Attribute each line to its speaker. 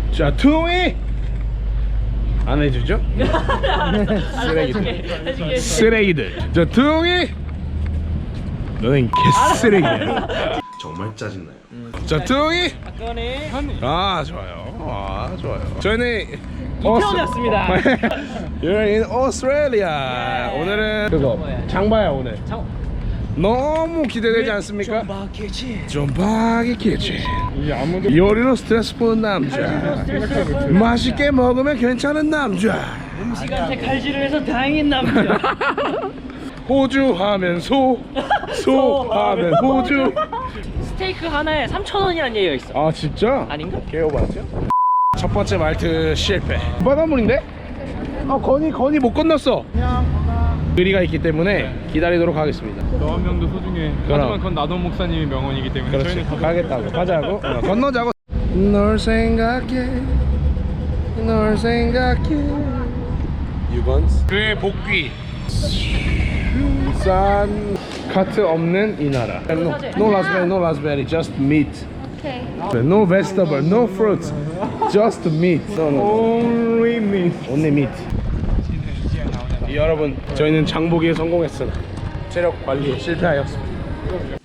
Speaker 1: 자, 투이 안 해주죠? 쓰레기들. 쓰레기들. 자, 투이 너는 개쓰레기야. 정말 짜증나요. 자, 투이. 아, 좋아요. 아, 좋아요. 저희는
Speaker 2: 이태원이었습니다.
Speaker 1: You're in Australia. 오늘은 그거 장바야 오늘. 너무 기대되지 않습니까? 존박이 키친. 요리로 스트레스 푸는 남자. 맛있게 먹으면 괜찮은 남자.
Speaker 2: 음식한테 칼질을 해서 다행인 남자.
Speaker 1: 호주 하면 소 하면 호주.
Speaker 2: 스테이크 하나에 3,000원이라는 얘기가 있어.
Speaker 1: 아 진짜?
Speaker 2: 아닌가?
Speaker 1: 개오바죠? 첫 번째 말트 실패. 바닷물인데? 건이 못 건넜어. 의리가 있기 때문에 기다리도록 하겠습니다.
Speaker 3: 너 한 명도 소중해.
Speaker 1: 그럼.
Speaker 3: 하지만 그건 나도 목사님의 명언이기 때문에
Speaker 1: 그렇지.
Speaker 3: 저희는
Speaker 1: 가겠다고. 가자고. 건너자고. 널 생각해. 널 생각해. 6번. 그의 복귀. 싼 카트 없는 이 나라. No raspberry, no raspberry, just meat.
Speaker 4: Okay.
Speaker 1: No vegetable, no fruits, just meat.
Speaker 3: only me.
Speaker 1: Only meat. 여러분, 저희는 장보기에 성공했으나 체력 관리에 실패하였습니다.